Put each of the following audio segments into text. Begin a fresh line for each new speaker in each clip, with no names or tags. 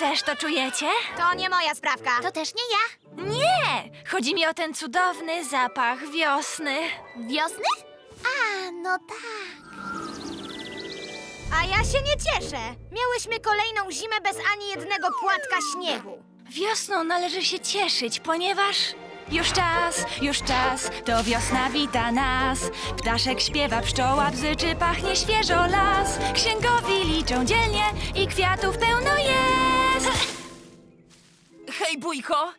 też to czujecie?
To nie moja sprawka.
To też nie ja.
Nie! Chodzi mi o ten cudowny zapach wiosny.
Wiosny? A, no tak.
A ja się nie cieszę. Miałyśmy kolejną zimę bez ani jednego płatka śniegu.
Wiosną należy się cieszyć, ponieważ już czas, to wiosna wita nas. Ptaszek śpiewa, pszczoła bzyczy, pachnie świeżo las. Księgowi liczą dzielnie i kwiatów pełno jest.
Hej, bójko!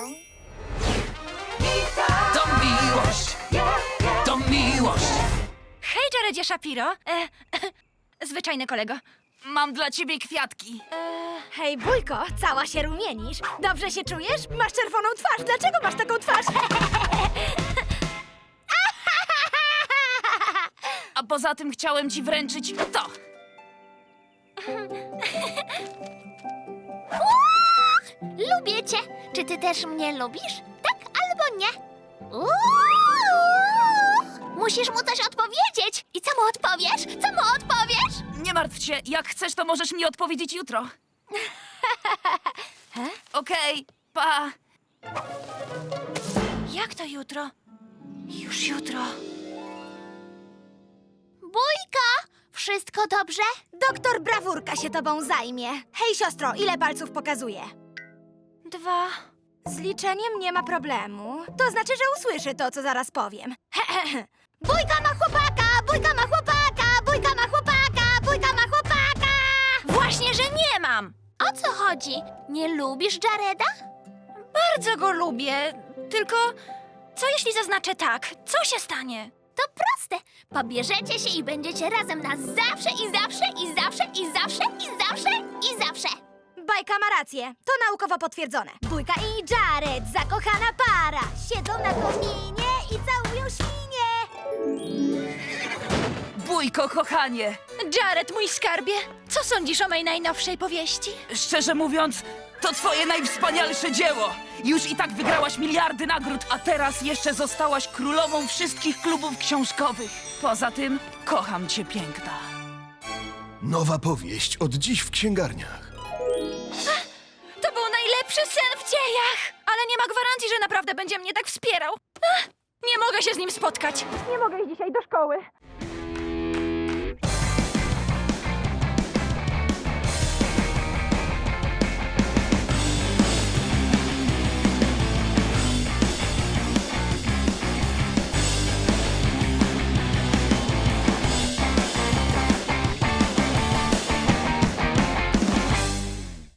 To miłość! To miłość!
Hej, Jaredzie Shapiro. Zwyczajny kolego.
Mam dla ciebie kwiatki.
Hej, bójko, cała się rumienisz. Dobrze się czujesz? Masz czerwoną twarz. Dlaczego masz taką twarz?
A poza tym chciałem ci wręczyć to.
Lubię cię. Czy ty też mnie lubisz? Tak albo nie? Musisz mu coś odpowiedzieć. I co mu odpowiesz? Co mu odpowiesz?
Nie martw się, jak chcesz, to możesz mi odpowiedzieć jutro. Okej, pa.
Jak to jutro? Już jutro.
Bójka, wszystko dobrze?
Doktor Brawurka się tobą zajmie. Hej, siostro, ile palców pokazuje?
2.
Z liczeniem nie ma problemu. To znaczy, że usłyszy to, co zaraz powiem. Bójka ma chłopaka! Bójka ma chłopaka! Bójka ma chłopaka! Bójka ma chłopaka!
Właśnie, że nie mam.
O co chodzi? Nie lubisz Jareda?
Bardzo go lubię. Tylko co jeśli zaznaczę tak? Co się stanie?
To proste. Pobierzecie się i będziecie razem na zawsze i zawsze i zawsze i zawsze i zawsze i zawsze.
Bajka ma rację. To naukowo potwierdzone. Bójka i Jared, zakochana para. Siedzą na kominie i całują świnie.
Bójko, kochanie.
Jared, mój skarbie, co sądzisz o mojej najnowszej powieści?
Szczerze mówiąc, to twoje najwspanialsze dzieło. Już i tak wygrałaś miliardy nagród, a teraz jeszcze zostałaś królową wszystkich klubów książkowych. Poza tym, kocham cię, piękna.
Nowa powieść od dziś w księgarniach.
To był najlepszy sen w dziejach! Ale nie ma gwarancji, że naprawdę będzie mnie tak wspierał. Nie mogę się z nim spotkać. Nie mogę iść dzisiaj do szkoły.